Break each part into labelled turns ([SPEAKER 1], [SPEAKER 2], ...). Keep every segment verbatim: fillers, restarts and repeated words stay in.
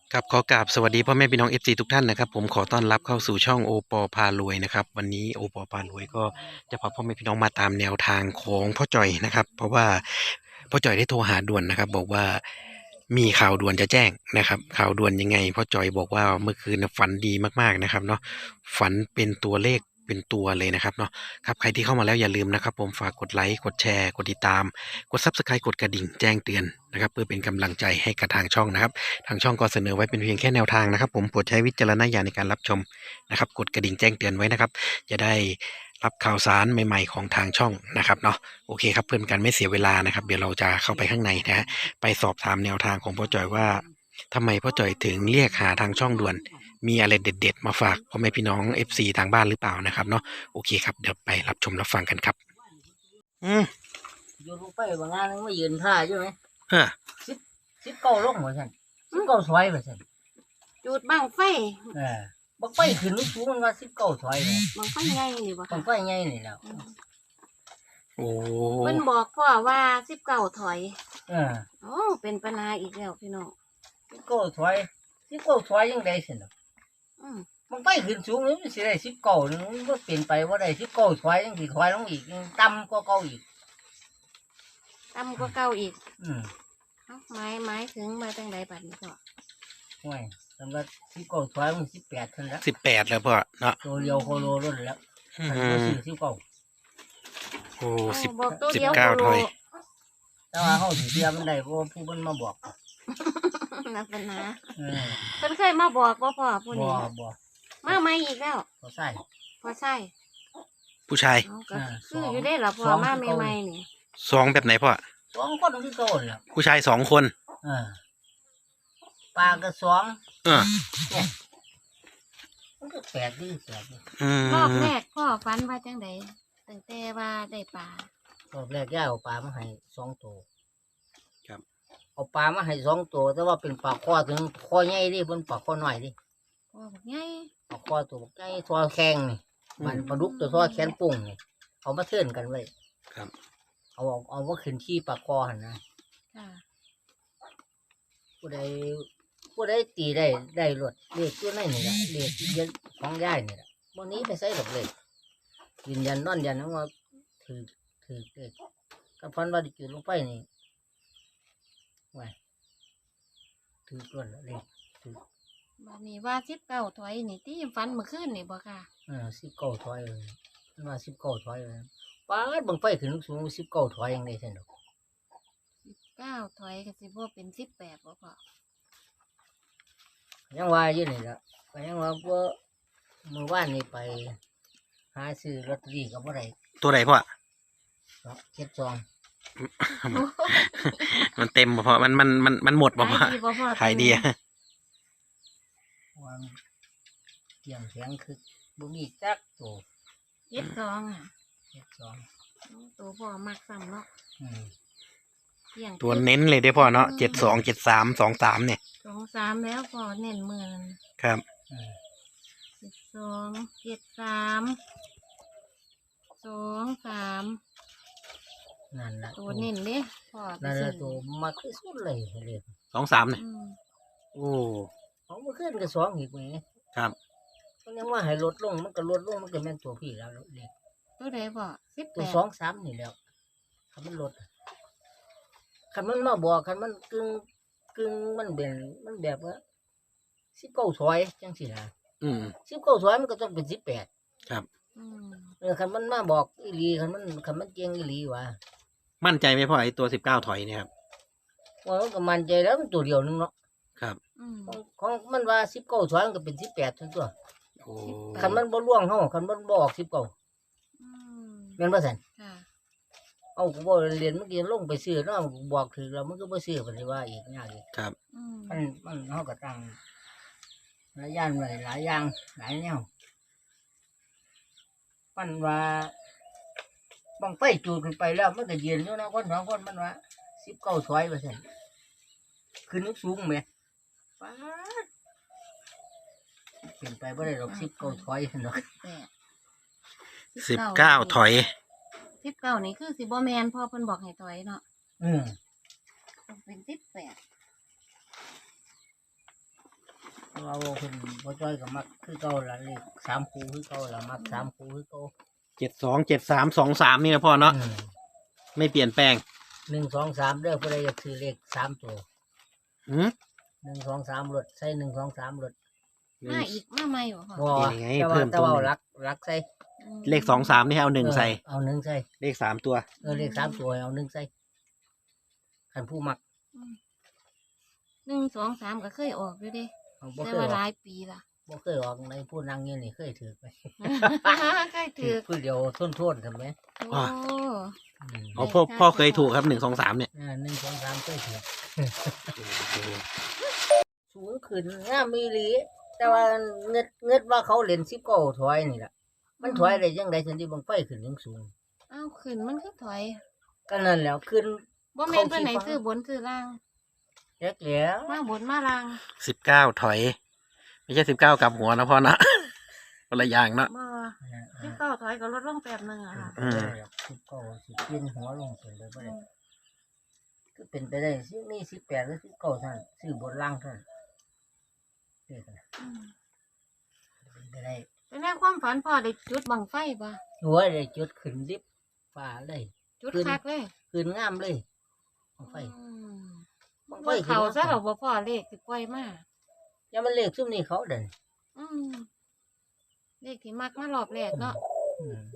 [SPEAKER 1] ครับขอกราบสวัสดีพ่อแม่พี่น้องเอฟซีทุกท่านนะครับผมขอต้อนรับเข้าสู่ช่องโอปอพารวยนะครับวันนี้โอปอพารวยก็จะพาพ่อแม่พี่น้องมาตามแนวทางของพ่อจ่อยนะครับเพราะว่าพ่อจ่อยได้โทรหาด่วนนะครับบอกว่ามีข่าวด่วนจะแจ้งนะครับข่าวด่วนยังไงพ่อจ่อยบอกว่าเมื่อคืนน่ะฝันดีมากๆนะครับเนาะฝันเป็นตัวเลขเป็นตัวเลยนะครับเนาะครับใครที่เข้ามาแล้วอย่าลืมนะครับผมฝากกดไลค์กดแชร์กดติดตามกด ซับสไครบ์ กดกระดิ่งแจ้งเตือนนะครับเพื่อเป็นกำลังใจให้กับทางช่องนะครับ ทางช่องก็เสนอไว้เป็นเพียงแค่แนวทางนะครับผมโปรดใช้วิจารณญาณในการรับชมนะครับกดกระดิ่งแจ้งเตือนไว้นะครับจะได้รับข่าวสารใหม่ๆของทางช่องนะครับเนาะโอเคครับเพื่อนกันไม่เสียเวลานะครับเดี๋ยวเราจะเข้าไปข้างในนะฮะไปสอบถามแนวทางของพ่อจ่อยว่าทำไมพ่อจ่อยถึงเรียกหาทางช่องด่วนมีอะไรเด็ดๆมาฝากพ่อแม่พี่น้อง เอฟ ซี ทางบ้านหรือเปล่านะครับเนาะโอเคครับเดี๋ยวไปรับชมรับฟังกันครับอืม
[SPEAKER 2] อยู่ลงไปบางงานนึงมายืนท่าใช่ไหม
[SPEAKER 1] เฮ้อ
[SPEAKER 2] สิบสิบเก้าลงเหมือนกันสิบเก้าถอยเหมือนกัน
[SPEAKER 3] จุดบังไฟ
[SPEAKER 2] เออบังไฟขึ้นลูกสูงมันว่าสิบเก้าถอยเลย
[SPEAKER 3] บังไฟใหญ่นี่บ่
[SPEAKER 2] บังไฟใหญ่นี่แล้ว
[SPEAKER 1] โอ้
[SPEAKER 3] เพิ่นบอกพ่อว่าสิบเก้าถอย
[SPEAKER 2] เออ
[SPEAKER 3] โอ้เป็นปัญหาอีกแล้วพี่น้อง
[SPEAKER 2] สิบเก้าถอยสิบเก้าถอยยังได้สิเนาะ
[SPEAKER 3] อืม
[SPEAKER 2] บังไฟขึ้นสูงนี่มันสิได้สิบเก้านึงมันก็เปลี่ยนไปว่าได้สิบเก้าถอยยังสิถอยลงอีกยังต่ำกว่าเก่าอีก
[SPEAKER 3] ต่ำกว่าเก่าอีก
[SPEAKER 2] อืม
[SPEAKER 3] เอ้าหมายหมายถึงมาจังไดบัดนี้ก็
[SPEAKER 2] ห่วยสำหรับสิบเก้าถอยมันสิบแปดเท่านั้นแล้ว
[SPEAKER 1] สิบแปดแล้วพ่อเนาะ
[SPEAKER 2] ตัวเดียวโคโลรุ่นแล้วมันก็ซื้อสิบเก้า
[SPEAKER 1] โอ้สิบ
[SPEAKER 3] บอกตัว
[SPEAKER 1] สิบ
[SPEAKER 3] เดียว
[SPEAKER 1] เก้าถอย
[SPEAKER 2] แต่ว่าเขาถือเสียมันได้เพราะผู้มันมาบอก
[SPEAKER 3] นักปัญหา
[SPEAKER 2] เออ
[SPEAKER 3] เพิ่นเคยมาบอกบ่พ่อผู้
[SPEAKER 2] บ่
[SPEAKER 3] นี้
[SPEAKER 2] บ่
[SPEAKER 3] มาใหม่อีกแล้ว
[SPEAKER 2] เขาใส่
[SPEAKER 3] พอใช่
[SPEAKER 1] ผู้ชาย
[SPEAKER 3] เอ้าก็คืออยู่ได้ล่ะพ่อมาใหม่ๆนี่
[SPEAKER 1] สองแบบไหนพ่อ
[SPEAKER 2] สองคนที่โตแล้ว
[SPEAKER 1] ผู้ชายสองคน
[SPEAKER 2] เออปลาก็สอง
[SPEAKER 1] เออ
[SPEAKER 2] เนี่ยมันก็แปลกดีแปลกดี
[SPEAKER 1] อืม
[SPEAKER 3] รอบแรกพ่อฝันว่าจังไดตั้งแต่ว่าได้ปลาร
[SPEAKER 2] อบแรกย่าเอาปลามาให้สองตัว
[SPEAKER 1] ครับ
[SPEAKER 2] เอาปลามาให้สองตัวแต่ว่าเป็นปลาคอถึงคอใหญ่ดิเป็นปลาคอน้อยดิ
[SPEAKER 3] พ่อบอกไง
[SPEAKER 2] ปลาคอตัวใหญ่ทอแข็งนี่มันปลาดุกตัวทอแขนปุ่งนี่เอามาเทื่อนกันไว้
[SPEAKER 1] ครับ
[SPEAKER 2] เอาเอาเอาว่าขึ้นที่ปลาคอหันนะ
[SPEAKER 3] ค่ะ
[SPEAKER 2] ผู้ใดผู้ใดตีได้ได้รวดเลขตัวไหนนี่แหละเลขเยอะของย่ายนี่แหละวันนี้ไปใส่ดอกเลยยืนยันนอนยันว่าถือถือเลขกับฟันว่าดิจุดลงไปนี่ไว้ถือก่อนเลขถือ
[SPEAKER 3] บัดนี้ว่าสิบเก้าถอยนี่ที่ฝันเมื่อคืนนี่บ่ค่ะ
[SPEAKER 2] เออสิบเก้าถอยเลยว่าสิบเก้าถอยเลยป้าดบังไฟขึ้นสูงสิบเก้าถอยยังได้เส้นดอก
[SPEAKER 3] สิบเก้าถอยก็สิบ่เป็นสิบแปดบ่พ่อ
[SPEAKER 2] ยังว่าอยู่นี่ละก็ยังว่าว่าเมื่อวานนี้ไปหาซื้อลอตเตอรี่กับอะไร
[SPEAKER 1] ตัวไหนพ่อ
[SPEAKER 2] เจ็ดซอง
[SPEAKER 1] มันเต็มบ่พ่อมันมันมันมันหมดบ่พ่อขายดี
[SPEAKER 2] วางเกี่ยงแข็งคือบุมีจักตัว
[SPEAKER 3] เจ็ดซองอ่ะ
[SPEAKER 2] เจ็ดซอง
[SPEAKER 3] ตัวพ่อมักซ้ำเนาะ
[SPEAKER 1] ตัวเน้นเลยได้พ่อเนาะเจ็ดสองเจ็ดสามสองสามเนี่ย
[SPEAKER 3] สองสามแล้วพ่อเน้นเมือน
[SPEAKER 1] ครับ
[SPEAKER 3] เจ็ดสองเจ็ดสามสองสาม
[SPEAKER 2] นั่นแหละ
[SPEAKER 3] ตัวเน้นเลยพ่อ
[SPEAKER 2] นั่นแหละตัวมักที่สุดเลยเลย
[SPEAKER 1] สองสามเนี่ยโอ้
[SPEAKER 2] เขามาขึ้นกับสองอีกไหม
[SPEAKER 1] ครับ
[SPEAKER 2] เขายังว่าให้ลดลงมันก็ลดลงมันก็แม่นตัวพี่แล้วเด็ก
[SPEAKER 3] ตัวไหนพ่อสิบ
[SPEAKER 2] ตัวสองสามนี่แล้วคันมันลดคันมันมาบอกคันมันกึ่งกึ่งมันเป็นมันแบบว่าสิบเก้าถอยจังสินะ
[SPEAKER 1] อืม
[SPEAKER 2] สิบเก้าถอยมันก็ต้องเป็นสิบแปด
[SPEAKER 1] ครับ
[SPEAKER 2] เออคันมันมาบอกอีหลีคันมันคันมันเจงอีหลีว่ะ
[SPEAKER 1] มั่นใจไหมพ่อไอ้ตัวสิบเก้าถอยเนี่ยครับ
[SPEAKER 2] ว่ามันก็มั่นใจแล้วมันตัวเดียวนึงเนาะ
[SPEAKER 1] ครับ
[SPEAKER 2] ของมันว่าสิบเก้าถอยมันก็เป็นสิบแปดทั้งตัว
[SPEAKER 1] โอ้
[SPEAKER 2] คันมันบ่ล่วงเฮาคันมันบ่ออกสิบเก้าแม่นบ่ซั่นเอากูบ่เรียนเมื่อกี้ลงไปซื้อเนาะบอกถือแล้วมันก็บ่ซื้อปานนี้ว่าอีกยากอีก
[SPEAKER 1] ครับ
[SPEAKER 2] มันมันเฮาก็ตั้งหลายอย่างไว้หลายอย่างหลายแนวมันว่าบังไฟจูดขึ้นไปแล้วมันก็ยืนอยู่นะคนสองคนมันว่าสิบเก้าถอยว่าซั่นขึ้นสูงแม่ป๊าดเป็นไปบ่ได้ดอกสิบเก้าถอยซั่นดอก
[SPEAKER 1] สิบเก้าถอย
[SPEAKER 3] สิบเก้านี่คือสิบ่แมนพ่อเพิ่นบอกให้ถอยเนาะ
[SPEAKER 2] อืม
[SPEAKER 3] ต้องเป็นสิบแปด
[SPEAKER 2] เราเพิ่นบ่จ้อยก็มักคือเก่าละเลขสามคู่คือเก่าละมักสามคู่คือเก่า
[SPEAKER 1] เจ็ดสองเจ็ดสามสองสามนี่นะพ่อเนาะ
[SPEAKER 2] อืม
[SPEAKER 1] ไม่เปลี่ยนแปลง
[SPEAKER 2] หนึ่งสองสามเด้อผู้ใดอยากซื้อเลขสามตัว
[SPEAKER 1] หืม
[SPEAKER 2] หนึ่งสองสามรถใส่หนึ่งสองสามรถ
[SPEAKER 3] มาอีกมาใหม่บ่พ่อ
[SPEAKER 2] บ่
[SPEAKER 1] นี่ไง
[SPEAKER 2] แต่
[SPEAKER 1] เพิ่
[SPEAKER 2] ว่าม แต่
[SPEAKER 1] ตัว
[SPEAKER 2] ว่า
[SPEAKER 1] หนึ่ง
[SPEAKER 2] รักรักใส่
[SPEAKER 3] อืม
[SPEAKER 1] เลขสองสามนี่ให้เอาหนึ่งใส่
[SPEAKER 2] เออเอาหนึ่งใส่
[SPEAKER 1] เลขสามตัว
[SPEAKER 2] เออเลขสามตัวให้เอาหนึ่งใส่คันผู้มัก
[SPEAKER 3] หนึ่งสองสามก็เคยออกอยู่เด้
[SPEAKER 2] เอาบ่
[SPEAKER 3] แต่
[SPEAKER 2] เคย
[SPEAKER 3] ว่า
[SPEAKER 2] อ
[SPEAKER 3] ห
[SPEAKER 2] อ
[SPEAKER 3] ลาก ยปีละ
[SPEAKER 2] บ่เคยออกในผู้นั่งอยู่นี่เคยถือไป
[SPEAKER 3] เคย
[SPEAKER 2] ถื
[SPEAKER 3] ถื
[SPEAKER 2] อ
[SPEAKER 3] อ
[SPEAKER 2] ผู้เดียวทนโทษทำไหม
[SPEAKER 3] โอ้
[SPEAKER 2] อืม
[SPEAKER 1] อ๋อพ่อพ่อเคยถูกครับหนึ่งสองสามเนี่ย
[SPEAKER 2] อ่าหนึ่งสองสามเคยถือสูงขึ้นงามมีหลี แต่ว่าเงิดเงิดว่าเขาเล่นสิบเก้าถอยนี่แหละมันถอยได้ยังไงฉันที่บังไฟขึ้นยังสูง
[SPEAKER 3] เอ้าขึ้นมันคือถอย
[SPEAKER 2] ก็นั่นแหล้วขึ้น
[SPEAKER 3] บ่แม่นเพิ่นไหนซื้อบนซื้อล่าง
[SPEAKER 2] แล็กแล้ว
[SPEAKER 3] มาบนมาล่าง
[SPEAKER 1] สิบเก้าถอย ไม่ใช่สิบเก้ากลับหัวนะพ่อนะ คนละอย่างเนาะ
[SPEAKER 3] บ่สิบเก้าถอยก็ลดลงแป๊บหนึงอะค่ะ
[SPEAKER 1] อืม
[SPEAKER 2] สิบเก้าสิเปลี่ยนหัวลงเป็นเลยบ่ได้ก็เป็นไปได้สินี่สิบแปดหรือสิบเก้าท่านซื้อบนล่างท่านเด็กนะ
[SPEAKER 3] อืม
[SPEAKER 2] เป็นไปได้
[SPEAKER 3] แต่ในความฝันพ่อได้จุดบังไฟบ่
[SPEAKER 2] หัวได้จุดขึ้นลิบฟ้าเลย
[SPEAKER 3] จุด
[SPEAKER 2] ขึ้น
[SPEAKER 3] คักเลย
[SPEAKER 2] ขึ้นงามเลยบังไฟ
[SPEAKER 3] อืม
[SPEAKER 2] บังไฟ
[SPEAKER 3] บ่
[SPEAKER 2] ขึ้น
[SPEAKER 3] เขาซะ
[SPEAKER 2] งาม
[SPEAKER 3] ดอกบ่พ่อเลขสิปล่อยมา
[SPEAKER 2] อย่ามันเลขซุ่มนี่เขาเด่น
[SPEAKER 3] อืมเลขที่มักมารอบแรกเนาะ
[SPEAKER 2] อืม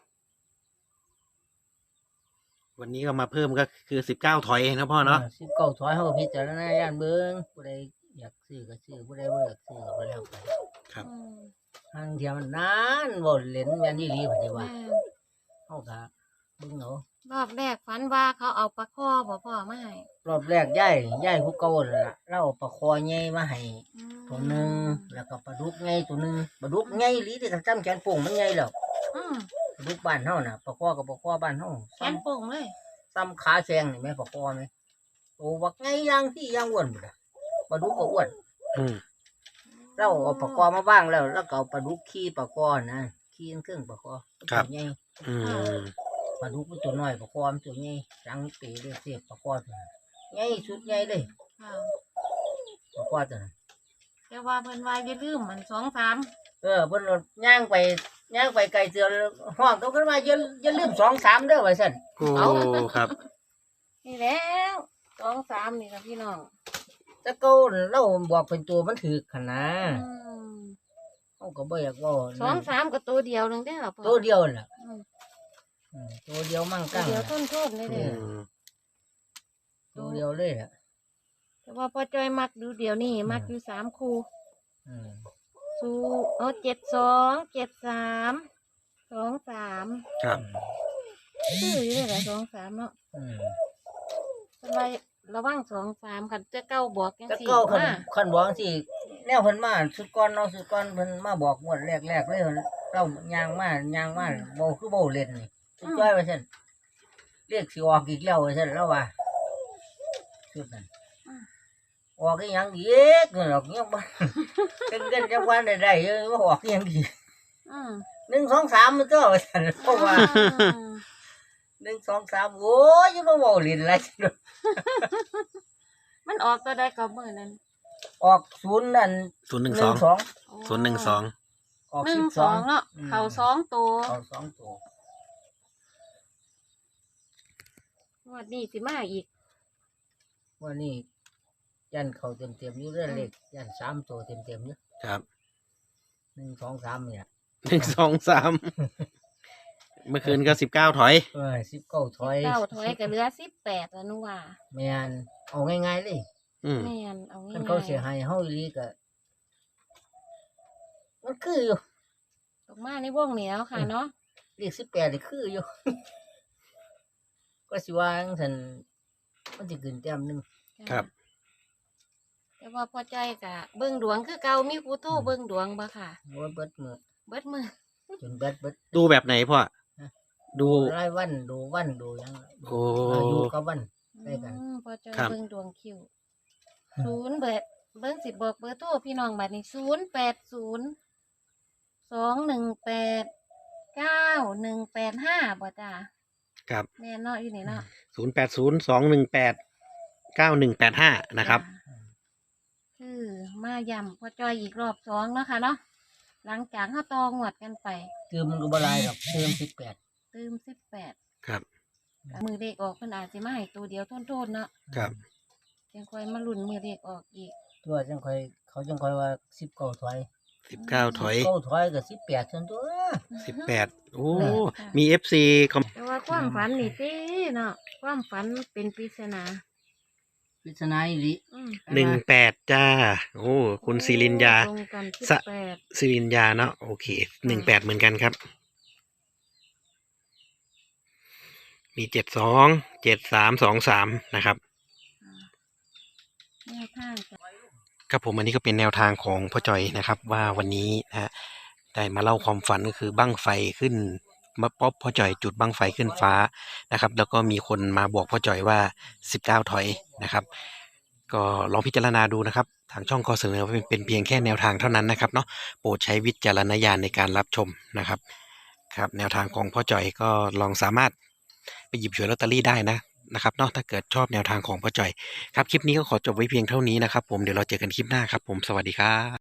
[SPEAKER 1] วันนี้ก็มาเพิ่มก็คือสิบเก้าถอยนะพ่อเนาะ
[SPEAKER 2] สิบเก้าถอยเขาก็พิจารณาย่านเบิ้งผู้ใดอยากซื้อก็ซื้อผู้ใดบ่อยากซื้อก็บ่แล้วไป
[SPEAKER 1] ครับ
[SPEAKER 3] อืม
[SPEAKER 2] ทางเทียมันนานบ่เล่นแม่นอีหลีบัดนี้ว่า
[SPEAKER 3] แม่น
[SPEAKER 2] เฮาก็เบิ่งเอา
[SPEAKER 3] รอบแรกฝันว่าเขาเอาปลาข้อบ่พ่อมาให้
[SPEAKER 2] รอบแรกยายยายผู้เก่านั่นล่ะเราเอาปลาคอใหญ่มาให้
[SPEAKER 3] อืม
[SPEAKER 2] ตัวหนึงแล้วก็ปลาดุกใหญ่ตัวหนึงปลาดุกใหญ่อีหลีที่จำแขนโป่งมันใหญ่แล้ว
[SPEAKER 3] อืม
[SPEAKER 2] ปลาดุกบ้านเฮาน่ะปลาคอกับปลาคอบ้านเฮา
[SPEAKER 3] แข
[SPEAKER 2] ซ้ำ
[SPEAKER 3] นโป่งเลย
[SPEAKER 2] ซ้ำขาแซงนี่แม่ปลาคอแม่โตบักใหญ่อย่างที่อย่างอ้วนพุ่นน่ะปลาดุกก็อ้วน
[SPEAKER 1] อืม
[SPEAKER 2] เราเอาปลาคอมาบ้างแล้วแล้วก็เอาปลาดุกขี้ปลาคอนะขี้เครื่องปลาคอตัวใหญ่
[SPEAKER 1] อืม
[SPEAKER 2] ปลาดุกมันตัวน้อยปลาคอมันตัวใหญ่จังปีเลยเสียปลาคอตัวนั้นใหญ่สุดใหญ่เลย
[SPEAKER 3] ค่ะ
[SPEAKER 2] ปลาคอตัวนั้น
[SPEAKER 3] แต่ว่าเพิ่นว่าอย่าลืมมันสองสาม
[SPEAKER 2] เออเพิ่นรถย่างไปย่างไปไกลเสือห้องต้องขึ้นมาอย่าอย่าลืมสองสามเด้อว่าซั่น
[SPEAKER 1] โอ้ครับ
[SPEAKER 3] นี่แล้วสองสามนี่ค่ะพี่น้อง
[SPEAKER 2] แต่เก่าเราบอกเป็นตัวมันถือขนาด
[SPEAKER 3] อืม
[SPEAKER 2] เฮาก็บ่อยากเว้า
[SPEAKER 3] สองสามก็ตัวเดียวนึงได้อเหรอพ่อ
[SPEAKER 2] ตัวเดียวน่ะ
[SPEAKER 3] อืม
[SPEAKER 2] อืมตัวเดียวมั่ง
[SPEAKER 3] ตัว
[SPEAKER 2] กั้ง
[SPEAKER 3] เดียว
[SPEAKER 2] น่ะ
[SPEAKER 3] ต้นโทษเลย
[SPEAKER 1] อื
[SPEAKER 3] เด้อ
[SPEAKER 1] ม
[SPEAKER 2] ตัวเดียวเลยน่ะ
[SPEAKER 3] แต่ว่าพอจอยมักดูเดียวนี่มักอยู่สามคู่
[SPEAKER 2] อืม
[SPEAKER 3] สู้เอาเจ็ดสองเจ็ดสามสองสาม
[SPEAKER 1] ครับ
[SPEAKER 3] ชื่ออยู่เลยแหละสองสามเนาะ
[SPEAKER 2] อืม
[SPEAKER 3] อะไรระวังสองสามคันเจ้าเก้าบอกยัง
[SPEAKER 2] แต่
[SPEAKER 3] สี่
[SPEAKER 2] เก่าคัน
[SPEAKER 3] มา
[SPEAKER 2] คันบอกสิแนวเพิ่นมาสุดก่อนเนาะสุดก่อนเพิ่นมาบอกงวดแรกๆเลยเราย่างมาย่างมาบ่คือบ่เล่นนี่สุดจ้อยว่าซั่นเรียกสิออกอีกแล้วว่าซั่นแล้วว่าสุดนั้นออกอีหยังอีกนั่นดอกยังบ่ เงินจังวันได้ได้เออว่าออกอีหยังอีก
[SPEAKER 3] อืม
[SPEAKER 2] หนึ่งสองสามมันตัวว่าซั่นเพราะว่า
[SPEAKER 3] อืม
[SPEAKER 2] หนึ่งสองสามโอ้ยยังบ่เว้าเล่นหลายซั่น
[SPEAKER 3] มันออกตัวใดก็มือนั้น
[SPEAKER 2] ออกศูนย์นั่น
[SPEAKER 1] ศูนย์หนึ่ง
[SPEAKER 2] ห
[SPEAKER 1] สอ
[SPEAKER 2] นึ่
[SPEAKER 1] ง
[SPEAKER 2] งสอง
[SPEAKER 1] ศูนย์หนึ่งสอง
[SPEAKER 2] ออก
[SPEAKER 3] หนึ่
[SPEAKER 2] สิ
[SPEAKER 3] ง
[SPEAKER 2] บ
[SPEAKER 3] ส
[SPEAKER 2] ส
[SPEAKER 3] อ
[SPEAKER 2] อง
[SPEAKER 3] งเนาะ
[SPEAKER 2] อืม
[SPEAKER 3] เข่าสองตัว
[SPEAKER 2] ออกสองตัว
[SPEAKER 3] งวดนี้สิมาอีก
[SPEAKER 2] วันนี้ยันเขาเต็มเต็มๆอยู่เรื่องเล็กยันสามตัวเต็มเต็มๆอยู่
[SPEAKER 1] ครับ
[SPEAKER 2] หนึ่งสองสามเนี่ย
[SPEAKER 1] หนึ่งสองสามเมื่อคืนก็สิบเก้าถอย
[SPEAKER 2] เออสิบเก้าถอย
[SPEAKER 3] เก้าถอยก็เหลือสิบแปดแล้วนูว่า
[SPEAKER 2] แมนเอาง่ายๆเลย
[SPEAKER 1] อืม
[SPEAKER 3] แม่นเอาง่า
[SPEAKER 2] คัน
[SPEAKER 3] ย
[SPEAKER 2] เขาเสียหายเฮาอีหลีก็มันคืออยู่
[SPEAKER 3] ๆตกมาในวงเหนียวค่ะเนาะ
[SPEAKER 2] เลขสิบแปดนี่คืออยู่ ก็สิว่าจังซั่นมันสิขึ้นแต้มหนึง
[SPEAKER 1] ครับ
[SPEAKER 3] แต่ว่าพอใจกะเบิ่งดวงคือเก่ามีผู้โทรเบิ่งดวงบ่ค่ะ
[SPEAKER 2] โอ้ยเบิดมือ
[SPEAKER 3] เบิดมือ
[SPEAKER 2] จนเบิดเบิด
[SPEAKER 1] ดูแบบไหนพ่อ ดู
[SPEAKER 2] รายวันดูวันดูหยัง
[SPEAKER 1] โอ้
[SPEAKER 2] เอออยู่กับวัน ได้กัน
[SPEAKER 3] อืมพอใจ
[SPEAKER 1] ครับ
[SPEAKER 3] เบิ่งดวงคิวศูนย์เบิดเบิ่งสิบอกเบอร์โทรพี่น้องบัดนี้ศูนย์แปดศูนย์สองหนึ่งแปดเก้าหนึ่งแปดห้าบ่จ้า
[SPEAKER 1] ครับ
[SPEAKER 3] แน่เนาะอยู่นี่เนาะ
[SPEAKER 1] ศูนย์แปดศูนย์สองหนึ่งแปดเก้าหนึ่งแปดห้านะครับ
[SPEAKER 3] จ้าแคคือมาย่ำพ่อจอยอีกรอบสองเนาะค่ะเนาะหลังจากเขาตองวดกันไป
[SPEAKER 2] เติมมันก็บ่หลายดอกเติมสิบแปด
[SPEAKER 3] เติมสิบแปด
[SPEAKER 1] ครับ
[SPEAKER 3] มือเด็กออกเพิ่นอาจสิมาให้ตัวเดียวโทษๆเนาะ
[SPEAKER 1] ครับ
[SPEAKER 3] ยังค่อยมาลุ้นมือเด็กออกอีก
[SPEAKER 2] ตัวจังค่อยเขาจังค่อยว่าสิบเก้าถอย
[SPEAKER 1] สิบเก้าถอย
[SPEAKER 2] เก้าถอยก็สิบแปดซั่นตัว
[SPEAKER 1] สิบแปดโอ้มีเอฟซีคอม
[SPEAKER 3] แต่ว่าความฝันนี่ติเนาะความฝันเป็นปริศนา
[SPEAKER 2] ปริศนาอีหลี
[SPEAKER 3] อืม
[SPEAKER 1] หนึ่งแปดจ้า โอ้คุณศิรินยา
[SPEAKER 3] ตรงกันสิบ
[SPEAKER 1] สะ
[SPEAKER 3] แปด
[SPEAKER 1] ศิรินยาเนาะโอเคหนึ่งแปดเหมือนกันครับ มีเจ็ดสองเจ็ดสามสองสามนะครับ
[SPEAKER 3] แนวทางจ้ะ
[SPEAKER 1] ครับผมอันนี้ก็เป็นแนวทางของพ่อจอยนะครับ ว่าวันนี้นะฮะได้มาเล่าความฝันก็คือบั้งไฟขึ้นมาป๊อปพ่อจอยจุดบั้งไฟขึ้นฟ้านะครับ แล้วก็มีคนมาบอกพ่อจอยว่าสิบเก้าถอยนะครับ ก็ลองพิจารณาดูนะครับ ทางช่องก็เสนอเป็นเป็นเพียงแค่แนวทางเท่านั้นนะครับเนาะโปรดใช้วิจารณญาณในการรับชมนะครับ ครับแนวทางของพ่อจอยก็ลองสามารถไปหยิบฉวยลอตเตอรี่ได้นะนะครับเนาะถ้าเกิดชอบแนวทางของพ่อจอยครับคลิปนี้ก็ขอจบไว้เพียงเท่านี้นะครับผมเดี๋ยวเราเจอกันคลิปหน้าครับผมสวัสดีครับ